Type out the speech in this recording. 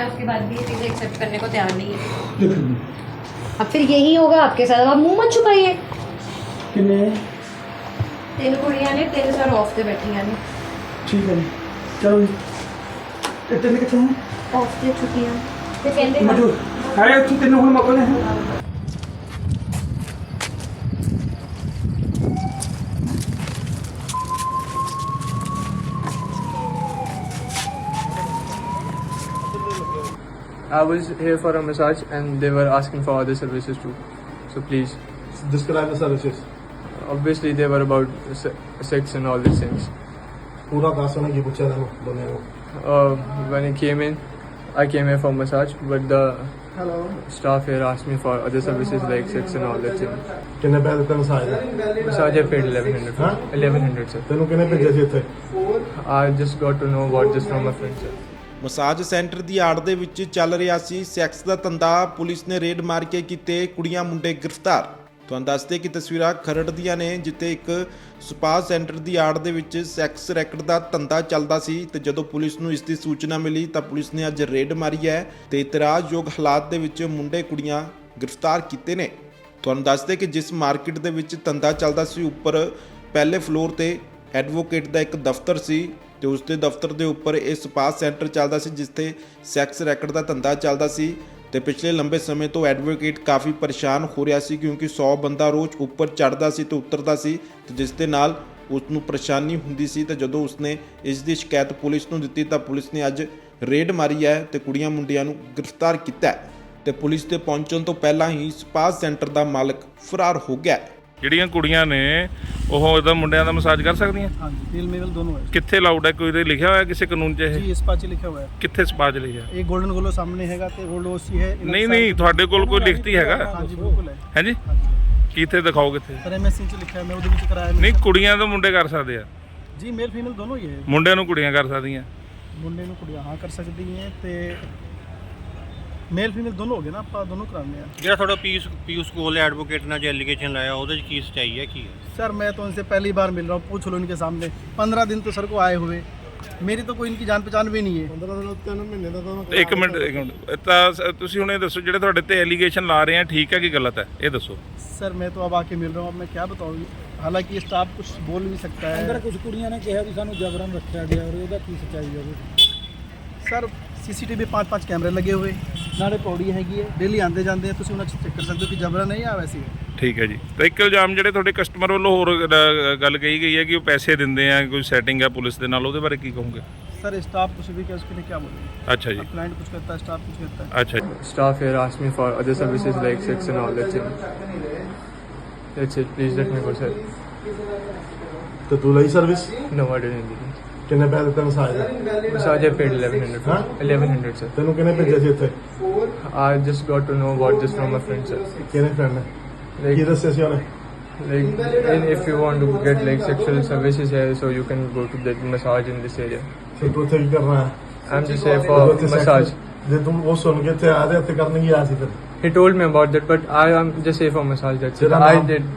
उसके बाद भी ये चीज़ें एक्सेप्ट करने को तैयार नहीं है। अब फिर यही होगा आपके साथ, अब आप मुंह मत छुपाइए। किन्ने 3 कुड़ियां ने 3 सर ऑफ से बैठियां ने। ठीक है जी, चलो जी। ਤੇ ਤਿੰਨ ਕਿੱਥੇ ਹਨ? ऑफ से छुट्टियां ते कहंदे ਮਜੂ ਹੈ ਉੱਥੇ ਤਿੰਨ ਹੁਣ ਮਗਰ ਨੇ। I was here for a massage and they were asking for other services too. So please, Describe the services. obviously they were about sex and all these things. ਪੂਰਾ ਦੱਸ ਉਹਨੇ ਕੀ ਪੁੱਛਿਆ ਤੈਨੂੰ ਦੋਨੇ ਨੂੰ? When I came in, I came here for massage, but the staff here asked me for other services like sex and all that things. ਕਿੰਨੇ ਪੈਸੇ ਦਿੱਤੇ ਮਸਾਜ ਦੇ? Massage I paid 1100. Huh? 1100 sir. ਤੈਨੂੰ ਕਿਹਨੇ ਭੇਜਿਆ ਸੀ ਇੱਥੇ? I just got to know about this from a friend sir. Massage centre ਦੀ ਆੜ ਦੇ ਵਿੱਚ ਚੱਲ ਰਿਹਾ ਸੀ ਸੈਕਸ ਦਾ ਧੰਦਾ। ਪੁਲਿਸ ਨੇ ਰੇਡ ਮਾਰ ਕੇ ਕੀਤੇ ਕੁੜੀਆਂ ਮੁੰਡੇ ਗ੍ਰਿਫਤਾਰ। ਤੁਹਾਨੂੰ ਦੱਸਦੇ ਕਿ ਤਸਵੀਰਾਂ ਖਰੜ ਦੀਆਂ ਨੇ, ਜਿੱਥੇ ਇੱਕ ਸਪਾ ਸੈਂਟਰ ਦੀ ਆੜ ਦੇ ਵਿੱਚ ਸੈਕਸ ਰੈਕਟ ਦਾ ਧੰਦਾ ਚੱਲਦਾ ਸੀ ਤੇ ਜਦੋਂ ਪੁਲਿਸ ਨੂੰ ਇਸ ਦੀ ਸੂਚਨਾ ਮਿਲੀ ਤਾਂ ਪੁਲਿਸ ਨੇ ਅੱਜ ਰੇਡ ਮਾਰੀ ਹੈ ਤੇ ਇਤਰਾਜ਼ਯੋਗ ਹਾਲਾਤ ਦੇ ਵਿੱਚ ਮੁੰਡੇ ਕੁੜੀਆਂ ਗ੍ਰਿਫਤਾਰ ਕੀਤੇ ਨੇ। ਤੁਹਾਨੂੰ ਦੱਸਦੇ ਕਿ ਜਿਸ ਮਾਰਕੀਟ ਦੇ ਵਿੱਚ ਧੰਦਾ ਚੱਲਦਾ ਸੀ, ਉੱਪਰ ਪਹਿਲੇ ਫਲੋਰ ਤੇ ਐਡਵੋਕੇਟ ਦਾ ਇੱਕ ਦਫ਼ਤਰ ਸੀ ਤੇ ਉਸ ਦੇ ਦਫ਼ਤਰ ਦੇ ਉੱਪਰ ਇਹ ਸਪਾ ਸੈਂਟਰ ਚੱਲਦਾ ਸੀ, ਜਿੱਥੇ ਸੈਕਸ ਰੈਕਟ ਦਾ ਧੰਦਾ ਚੱਲਦਾ ਸੀ ਤੇ ਪਿਛਲੇ ਲੰਬੇ ਸਮੇਂ ਤੋਂ ਐਡਵੋਕੇਟ ਕਾਫੀ ਪਰੇਸ਼ਾਨ ਹੋ ਰਿਹਾ ਸੀ ਕਿਉਂਕਿ 100 ਬੰਦਾ ਰੋਜ਼ ਉੱਪਰ ਚੜ੍ਹਦਾ ਸੀ ਤੇ ਉਤਰਦਾ ਸੀ ਤੇ ਜਿਸ ਦੇ ਨਾਲ ਉਸ ਨੂੰ ਪਰੇਸ਼ਾਨੀ ਹੁੰਦੀ ਸੀ। ਤੇ ਜਦੋਂ ਉਸਨੇ ਇਸ ਦੀ ਸ਼ਿਕਾਇਤ ਪੁਲਿਸ ਨੂੰ ਦਿੱਤੀ ਤਾਂ ਪੁਲਿਸ ਨੇ ਅੱਜ ਰੇਡ ਮਾਰੀ ਹੈ ਤੇ ਕੁੜੀਆਂ ਮੁੰਡਿਆਂ ਨੂੰ ਗ੍ਰਿਫਤਾਰ ਕੀਤਾ ਹੈ ਤੇ ਪੁਲਿਸ ਦੇ ਪਹੁੰਚਣ ਤੋਂ ਪਹਿਲਾਂ ਹੀ ਸਪਾ ਸੈਂਟਰ ਦਾ ਮਾਲਕ ਫਰਾਰ ਹੋ ਗਿਆ। ਜਿਹੜੀਆਂ ਕੁੜੀਆਂ ਨੇ ਉਹ ਇਹਦਾ ਮੁੰਡਿਆਂ ਦਾ ਮਸਾਜ ਕਰ ਸਕਦੀਆਂ? हाँ जी, मेल मेल दोनों है ਕਿੱਥੇ ਲਾਊਡ ਹੈ? ਕੋਈ ਤੇ ਲਿਖਿਆ ਹੋਇਆ ਕਿਸੇ ਕਾਨੂੰਨ 'ਚ ਇਹ? जी। इस पाच लिखा हुआ है। ਕਿੱਥੇ ਸਪਾ 'ਚ ਲਿਖਿਆ? एक गोल्डन गोलो सामने हैगा ते गोल्ड ओसी है। ਨਹੀਂ ਨਹੀਂ, ਤੁਹਾਡੇ ਕੋਲ ਕੋਈ ਲਿਖਤੀ ਹੈਗਾ? हाँ जी बिल्कुल है। ਹੈ ਜੀ, ਕਿੱਥੇ ਦਿਖਾਓ ਕਿੱਥੇ? सर MSC च लिखा है, मैं उधर भी कराया ਨਹੀਂ, ਕੁੜੀਆਂ ਤਾਂ ਮੁੰਡੇ ਕਰ ਸਕਦੇ ਆ, जी। मेल फीमेल दोनों ही है। ਮੁੰਡਿਆਂ ਨੂੰ ਕੁੜੀਆਂ ਕਰ ਸਕਦੀਆਂ? मुंडे ਨੂੰ ਕੁੜੀਆਂ ਹਾਂ ਕਰ ਸਕਦੀ ਹੈ ਤੇ ਮੇਲ ਫੀਮੇਲ ਦੋਨੋਂ ਹੋ ਗਏ ਨਾ, ਆਪਾਂ ਦੋਨੋਂ ਕਰਾਉਂਦੇ ਆ। ਜਿਹੜਾ ਤੁਹਾਡਾ पीयूष गोयल एडवोकेट ने जो एलिगेशन लाया ਉਹਦੇ ਚ ਕੀ ਸੱਚਾਈ ਹੈ ਕੀ ਹੈ? सर मैं तो उनसे पहली बार मिल रहा हूँ, पूछ लो इनके सामने। 15 दिन तो सर को आए हुए, मेरी तो कोई इनकी जान पहचान भी नहीं है। 15 ਦਿਨ 3 ਮਹੀਨੇ ਦਾ ਤਾਂ ਇੱਕ ਮਿੰਟ ਤਾਂ ਤੁਸੀਂ ਹੁਣ ਇਹ ਦੱਸੋ, ਜਿਹੜੇ ਤੁਹਾਡੇ ਤੇ ਐਲੀਗੇਸ਼ਨ ਲਾ ਰਹੇ ਆ, ਠੀਕ ਹੈ ਕਿ ਗਲਤ ਹੈ? ਇਹ ਦੱਸੋ। सर मैं तो अब आके मिल रहा हूँ, अब मैं क्या बताऊँ। हालांकि स्टाफ कुछ बोल नहीं सकता है। ਅੰਦਰ ਕੁਝ ਕੁੜੀਆਂ ਨੇ ਕਿਹਾ ਵੀ ਸਾਨੂੰ ਜਬਰਨ ਰੱਖਿਆ ਗਿਆ ਔਰ ਉਹਦਾ ਕੀ ਸੱਚਾਈ ਹੈ? सर CCTV 5-5 ਕੈਮਰੇ ਲੱਗੇ ਹੋਏ, ਨਾਲੇ ਪੌੜੀ ਹੈਗੀ ਹੈ, ਡੇਲੀ ਆਉਂਦੇ ਜਾਂਦੇ ਆ, ਤੁਸੀਂ ਉਹਨਾਂ 'ਚ ਚੈੱਕ ਕਰ ਸਕਦੇ ਹੋ ਕਿ ਜਬਰਨ ਨਹੀਂ ਆ ਵੈਸੇ ਹੀ। ਠੀਕ ਹੈ ਜੀ। ਤਾਂ ਇੱਕ ਇਲਜ਼ਾਮ ਜਿਹੜੇ ਤੁਹਾਡੇ ਕਸਟਮਰ ਵੱਲੋਂ ਹੋਰ ਗੱਲ ਕਹੀ ਗਈ ਹੈ ਕਿ ਉਹ ਪੈਸੇ ਦਿੰਦੇ ਆ, ਕੋਈ ਸੈਟਿੰਗ ਹੈ ਪੁਲਿਸ ਦੇ ਨਾਲ, ਉਹਦੇ ਬਾਰੇ ਕੀ ਕਹੋਗੇ? सर स्टाफ कुछ भी क्या, उसके लिए क्या बोलेंगे? अच्छा जी। क्लाइंट कुछ कहता है, स्टाफ कुछ कहता है। अच्छा जी। Staff here asked me for other services like sex and all that things. That's it. Please let me go sir. ਤੇ ਤੂੰ ਲਈ service? No, I didn't do this. ਕਿੰਨੇ ਪੈਸੇ ਦਿੱਤੇ ਮਸਾਜ ਦੇ? Massage I paid 1100. Huh? 1100 sir. ਤੈਨੂੰ ਕਿਹਨੇ ਭੇਜਿਆ ਸੀ ਇੱਥੇ? I just got to know about this from a friend sir. ਕਿਹਨੇ ਫਰੈਂਡ ਨੇ? ਕੀ Like, ਦੱਸਿਆ ਸੀ ਉਹਨੇ? if you want to get like sexual services here, so you can go to that massage in this area. ਤੇ ਤੂੰ ਇੱਥੇ ਕੀ ਕਰਨਾ ਹੈ? I'm just here for ਤੂੰ ਇੱਥੇ massage. ਜੇ ਤੂੰ ਉਹ ਸੁਣ ਕੇ ਇੱਥੇ ਆ ਰਿਹਾ, ਇੱਥੇ ਕਰਨ ਕੀ ਆਇਆ ਸੀ ਫਿਰ? He told me about that, but I am just here for massage. That's it. ਤੇਰਾ I ਨਾਮ? did.